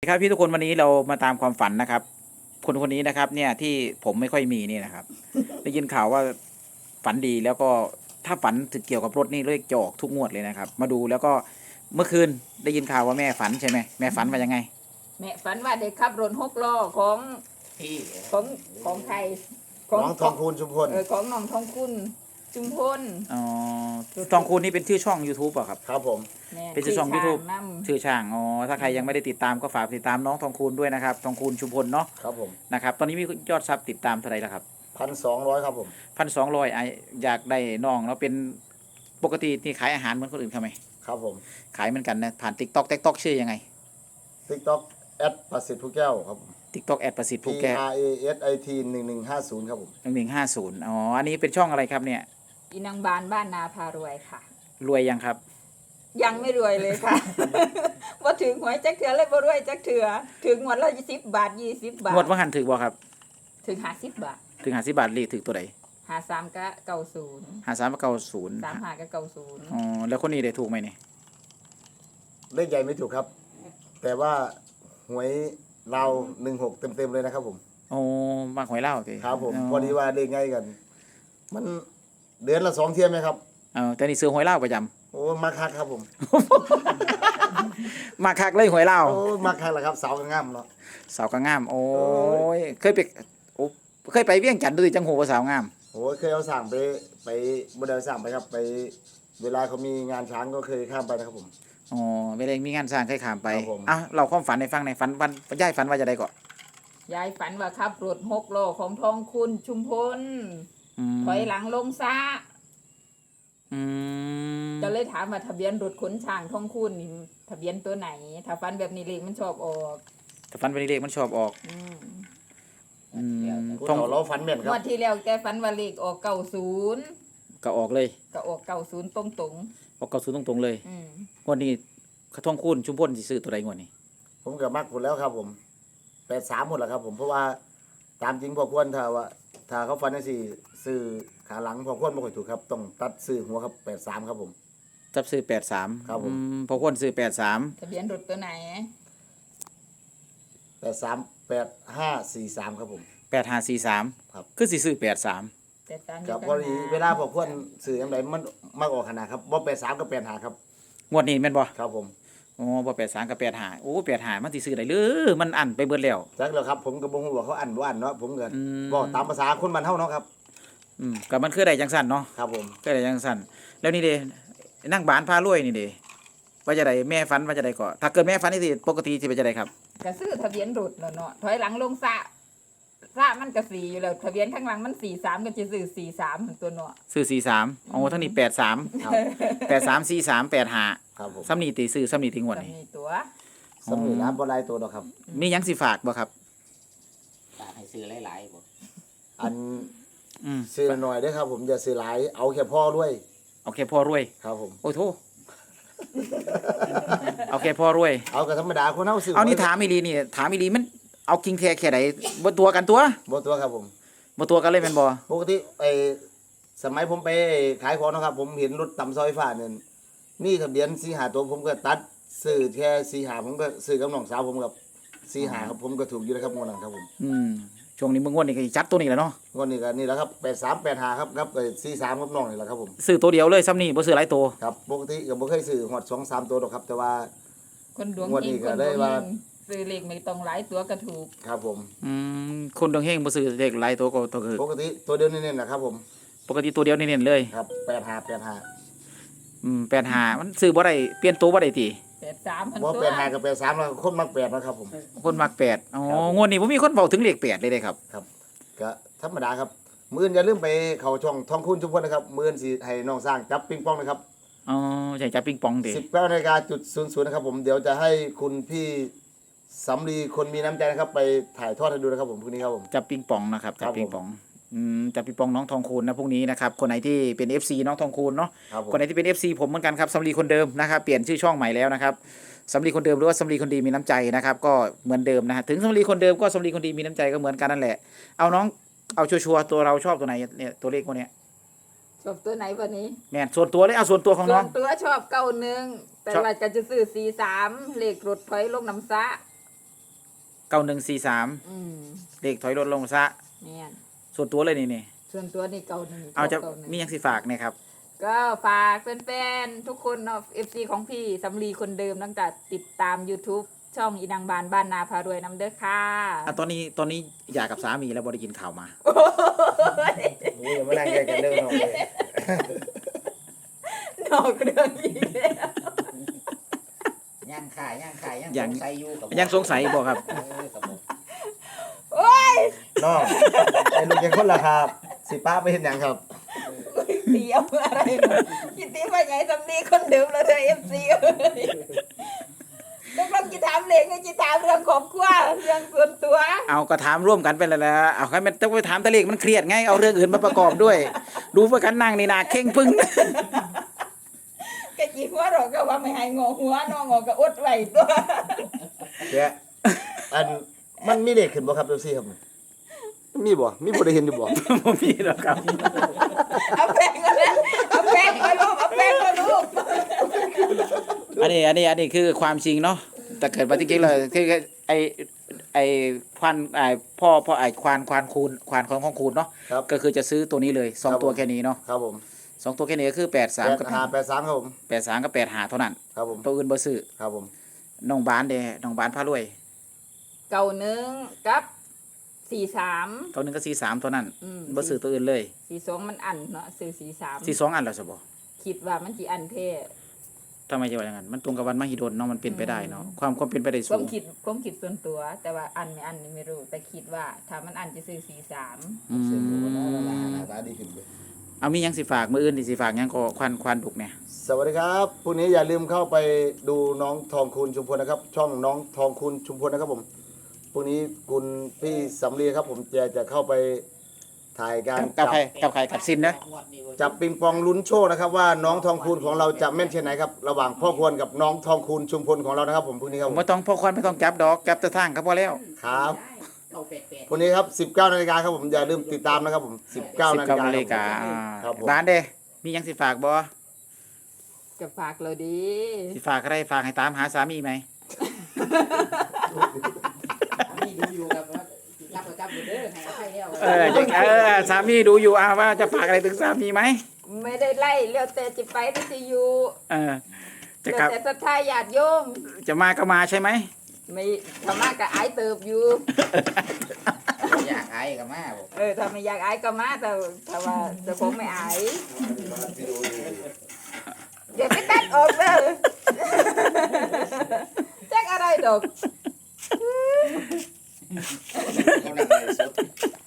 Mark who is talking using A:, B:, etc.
A: ครับพี่ทุกคนวันนี้เรามาตามความฝันนะครับคนคนนี้นะครับเนี่ยที่ผมไม่ค่อยมีนี่นะครับ ได้ยินข่าวว่าฝันดีแล้วก็ถ้าฝันถึงเกี่ยวกับรถนี่เลขจะออกทุกงวดเลยนะครับมาดูแล้วก็เมื่อคืนได้ยินข่าวว่าแม่ฝันใช่ไหมแม่ฝันว่ายังไง
B: แม่ฝันว่าเด็กขับรถหกล้อของ
C: พี่
B: ของของใคร
C: น้องทองคูณชุมพล
B: ของน้องทองคุณจุมพล
A: อ๋อทองคูณนี่เป็นชื่อช่อง YouTube อ่ะครับ
C: ครับผม
A: เป็นชื่อช่อง YouTube
B: น
A: ชื่อช่างอ๋อถ้าใครยังไม่ได้ติดตามก็ฝากติดตามน้องทองคูณด้วยนะครับทองคูณชุมพลเนาะ
C: ครับผม
A: นะครับตอนนี้มียอดซับติดตามเท่าไหร่แล้วครับ
C: 1,200ครับผม
A: 1,200อยากได้น้องแล้วเป็นปกตินี่ขายอาหารเหมือนคนอื่นเขาไหม
C: ครับผม
A: ขายเหมือนกันนะผ่าน TikTok ชื่อยังไง
C: TikTok ประสิทธิ์ผู้แก้วครับ
A: TikTok ประสิทธิ์ผู้แก้ว
C: PRASIT 1150ครับผม
A: 1150อ๋ออันนี้เป็นช่องอะไรครับเนี่ย
B: อีนางบานบ้านนาพารวยค่ะ
A: รวยยังครับ
B: ยังไม่รวยเลยค่ะ ว่าถึงหวยจักเถื่อเลยบ่รวยจักเถื่อถึงงวดละ10 บาท20 บาท
A: งวดว่าหันถือบ่ครับ
B: ถึง50 บาท
A: ถึง50 บาทเลขถือตัวไหน
B: 53ก็90
A: 53 90
B: 35ก็90
A: อ๋อแล้วคนนี้ได้ถูกไหมเนี่ย
C: เลขใหญ่ไม่ถูกครับ แต่ว่าหวยเรา16เต็มเลยนะครับผม
A: โอ้มาหวยเล่าสิ
C: ครับผมพอดีว่าเลขไงกัน มันเดือนละ2 เที่ยไหมครับ
A: แต่นี่ซื้อหวยเล่าประจำ
C: โอ้มาคักครับผม
A: มาคักเลยหวยเล่า
C: โอ้มาคักแหละครับสาวกระง่ำเนาะ
A: สาวกระง่ามโอ้ยเคยไปเวียงจันทร์ดูจังหูว่าสาวงาม
C: โอ้เคยเอาสั่งไปบ่ได้สั่งไปครับไปเวลาเขามีงานช้างก็เคยข้ามไปนะครับผม
A: อ๋อเวลามีงานสร้างเคยขามไปเราความฝันในฟังในฝันวันย่ายฝันว่าจะได้ก่อน
B: ยายฝันว่าขับรถ6ล้อของทองคุณชุมพลถอยหลังลงซะจะเลยถามว่าทะเบียนรถขนช้างทองคุณนี่ทะเบียนตัวไหนถ้าฝันแบบนี้เลขมันชอบออก
A: ถ้าฝันเป็นเลขมันชอบออก
C: ทองเราฝันเหม็นครับ
B: วันที่แล้วแกฝันว่าเลขออก90
A: ก็ออกเลย
B: ก็ออก90ตรง
A: ออก90ตรงๆเลยงวดนี้ทองคูณชุมพลสิซื้อตัวใดงวดนี้
C: ผมก็มักหมดแล้วครับผม83หมดแล้วครับผมเพราะว่าตามจริงพอควรถ้าเขาฟันได้ซื้อขาหลังพอควรบ่ค่อยถูกครับต้องตัดซื้อหัวครับ83ครับผม
A: จับซื้อ83
C: ครับผม
A: พอควรซื้อ83
B: ทะเบียนรถตัวไหน
C: 838543ครับผม
A: 8543
C: ครับ
A: คือสิซื้อ83
C: ครับพอดีเวลาพอควรซื้อจังไดมันมักออกขนาดครับบ่83กับ85ครับ
A: งวดนี้แม่นบ่
C: ครับผม
A: อ๋อบ่83กับ85โอ้85มันสิซื้อได้หรือมันอั้นไปเบิดแล้ว
C: จักแล้วครับผมก็บ่ฮู้ว่าเขาอั้นบ่อั้นเนาะผมก็บ่ตามภาษาคนบ้านเฮาเนาะครับ
A: ก็มันคือได้จังซั่นเนาะ
C: ครับผม
A: คือได้จังซั่นแล้วนี่เด้นั่งบ้านพารวยนี่เด้ว่าจะได้แม่ฝันว่าจะได้ก็ถ้าเกิดแม่ฝันนี่สิปกติสิเป็นจะได้ครับ
B: ก็ซื้อทะเบียนรถแล้วเนาะถอยหลังลงซะมันก็4อยู่แล้วทะเบียนข้างหลังมัน43ก็จะซื้อ43ตัวเนาะ
A: ซื้อ43อ๋อทั้งนี้83ครับ83 43 85
C: ครับผม
A: ซ้ำนี่ติซื้อซ้ำนี่ติงวดนี่
B: ตัว
C: สำนีร้านบ่หลายตัวดอกครับ
A: มีหยังสิฝากบ่ครับ
D: ฝากให้ซื้อหลายๆบ่
C: อันซื้อหน่อยเด้อครับผมอย่าซื้อหลายเอาแค่พ่อด้วย
A: เอาแค่พ่อรวย
C: ครับผม
A: โอ้โธ่เอาแค่พ่อรวย
C: เอาก็ธรรมดาคนเฮาซื้อ
A: เอานี่ถามอีหลีนี่ถามอีหลีมันเอาคิงแท้แค่ใดบ่ตัวกันตัว
C: บ่ตัวครับผม
A: บ่ตัวกันเลยแม่นบ่
C: ปกติสมัยผมไปขายของนะครับผมเห็นรถตำซอยฟ้านั่นมีทะเบียน4-5ตัวผมก็ตัดซื้อแค่4-5ผมก็ซื้อกับน้องสาวผมกับ4-5ครับผมก็ถูกอยู่นะครับงวดนั้นครับผม
A: ช่วงนี้มึงงวดนี้ก็จัดตัวนี้แหละเนาะ
C: งวดนี้ก็นี่แหละครับ8385ครับ43กับน้องนี่แหละครับผม
A: ซื้อตัวเดียวเลยซ้ำนี่บ่ซื้อหลายตัว
C: ครับปกติก็บ่เคยซื้อฮอด 2-3 ตัวดอกครับแต่ว่า
B: คนดวงเฮงคนดวงเฮงซื้อเลขไม่ต้องหลายตัวก็ถูก
C: ครับผม
A: คนดวงเฮงบ่ซื้อเลขหลายตัวก็ตัวคือ
C: ปกติตัวเดียวเน้นๆนะครับผม
A: ปกติตัวเดียวเน้นๆเลย
C: ครับ
A: 85มันซื้อบ่ได้เปลี่ยนตัวบ่ได้ติ
B: 83
C: บ่85กับ83แล้วคนมัก8นะครับผม
A: คนมัก8อ๋องวดนี้บ่มีคนเว้าถึงเลข8เลยเด้ครับ
C: ครับก็ธรรมดาครับมื้ออย่าลืมไปเข้าช่องทองคุณชุมพลนะครับมื้อสิให้น้องสร้างจับปิงปองนะครับ
A: อ๋อใช่จับปิงปองติ
C: 19:00 นะครับผมเดี๋ยวจะให้คุณพี่สำลีคนมีน้ำใจนะครับไปถ่ายทอดให้ดูนะครับผมพรุ่งนี้ครับผม
A: จับปิงปองนะครับจับปิงปองจับปิงปองน้องทองคูณนะพรุ่งนี้นะครับคนไหนที่เป็น FC น้องทองคูณเนาะคนไหนที่เป็น FC ผมเหมือนกันครับสำลีคนเดิมนะครับเปลี่ยนชื่อช่องใหม่แล้วนะครับสำลีคนเดิมหรือว่าสำลีคนดีมีน้ำใจนะครับก็เหมือนเดิมนะฮะถึงสำลีคนเดิมก็สำลีคนดีมีน้ำใจก็เหมือนกันนั่นแหละเอาน้องเอาชัวร์ตัวเราชอบตัวไหนเนี่ยตัวเลขพวกเนี้ย
B: ชอบตัวไหนวันนี้
A: แม่ส่วนตัวเลยเอาส่วนตัวของน้อง
B: ส่วนตัวชอบ91แต่ว่าก็จะซื้อ43เลขรถถอยลงน้ำซะ
A: 9143
B: อืม
A: เลขถอยรถลงซะ
B: แม่น
A: ส่วนตัวเลยนี่
B: ส่วนตัวนี่91
A: เอาจะ
B: 91
A: มีหยังสิฝากเนี่ยครับ
B: ก็ฝากแฟนๆทุกคนเนาะ FC ของพี่สำลีคนเดิมตั้งแต่ติดตาม YouTube ช่องอีนางบานบ้านนาพารวยน้ำเด้อค่ะ
A: ตอนนี้อยากกับสามีแล้วบ่ได้กินข้าวมา
C: โอ้ยอย่ามานั่งแยกกันเรื่องน้องเลย
B: นอกเรื่องอีกแล้ว
D: ย่างขายยัง
A: ยัง
D: สงสัยอยู่กับ
A: ยังสงสัยบ่ครับ
D: กับผม
B: โอ้ย
C: น้องไอ้ลูกยังคนละครับสิป้าไปเห็นหยังครับ
B: เตียวอะไรเนาะคิดตีว่าไงสำลีคนเดิมเลยเด้อ FC เอ้ยต้องลองจิถามเลงก็จิถามเรื่องครอบครัวเรื่องส่วนตัว
A: เอาก็ถามร่วมกันไปแล้วแหละเอาใครมันต้องไปถามตะเลขมันเครียดไงเอาเรื่องอื่นมาประกอบด้วย ดูว่ากันนั่งนี่นาเข่งปึ้ง
B: ก็จีหัวเราก็ว่าไม่ให้งอหัวน้องงอก็อดไว้ตัว
C: แกอันมันมีเลขขึ้นบ่ครับเจ้าซี่ครับมีบ่มีบ่ได้เห็นอยู่บ่
A: บ่มีหรอกครับ
B: เอาแป้งมาแล้วเอาแป้งมาลูกเอาแป้งมาลูก
A: อันนี้คือความจริงเนาะแต่เกิดมาจริงๆเลยคือไอ้ควานไอ้พ่อไอ้ควานคูณควานของคูณเนาะ
C: ครับ
A: ก็คือจะซื้อตัวนี้เลยสอง
C: ครับ
A: ตัวแค่นี้เนาะ
C: ครับผม
A: สองตัวแค่นี้ก็คือ83กับ
C: 8583ครับผม
A: 83กับ85เท่านั้น
C: ครับผม
A: ตัวอื่นบ่ซื้อ
C: ครับผม
A: น้องบานเด้น้องบานพารวย
B: เก่า1กับ43
A: ตัวหนึงก็43เท่านั้น
B: อืม
A: บ่ซื้อตัวอื่นเลย
B: 42มันอันเนาะซื้อ43
A: 42อันแล้วซะบ่
B: คิดว่ามันสิอันเท่
A: ทำไมจะว่าอย่างนั้นมันตรงกับวันมหิดลเนาะมันเป็นไปได้เนาะความเป็นไปได้
B: ค
A: สู
B: วาม
A: ง
B: คิดส่วนตัว แต่ว่าอันนี่ไม่รู้แต่คิดว่าถ้ามันอันจะซื้อ43
A: อื
C: เสียงดู
A: ม
C: หน้าตาดีขึ้นเลย
A: เอามีหยังสิฝากมื้ออื่นที่สิฝากหยังก็ควานดุกเนี่ย
C: สวัสดีครับพรุ่งนี้อย่าลืมเข้าไปดูน้องทองคูณชุมพลนะครับ ช่องน้องทองคูณชุมพลนะครับผมพรุ่งนี้คุณพี่สำลีครับผมจะเข้าไปถ่ายการ
A: กับใครกับซินเด้อ
C: จับปิงปองลุ้นโชคนะครับว่าน้องทองคูณของเราจะแม่นเช่นไหนครับระหว่างพ่อควรกับน้องทองคูณชุมพลของเรานะครับผมพรุ่งนี้ครับ
A: ผม
C: ผม
A: บ่ต้องพ่อควานไม่ต้องจับดอกจับแต่ทางก็พอแล้ว
C: ครับ
D: เอาเป็ด
C: พรุ่งนี้ครับ 19 นาฬิกาครับผมอย่าลืมติดตามนะครับผม19 นาฬิกา
A: 19นาฬิกา
C: ครับผม
A: บ้านเด้มีหยังสิฝากบ่
B: จะฝากเราดี
A: สิฝากอะไรฝากให้ตามหาสามีไหม
D: นี่ดูอยู่กับว่ารับประจำอยู่เด้อให้อภัยแล้ว
A: สามีดูอยู่ว่าจะฝากอะไรถึงสามีไหม
B: ไม่ได้ไล่เลี้ยวแต่จิไปได้จะอยู่
A: เออจะ
B: เลี้ย
A: กลั
B: ว
A: บ
B: แต่ศรัทธาญาติโยม
A: จะมาก็มาใช่ไหม
B: ไม่ธรรมะกับไอ้เติบอยู่
D: อยากอายกับมาบอก
B: ถ้าไม่อยากไอ้ก็มาแต่ว่าจะคงไม่ไอ้เดี๋ยวไปตัดออกเลย แจ็คอะไรดอก
D: เขานั่งในสุด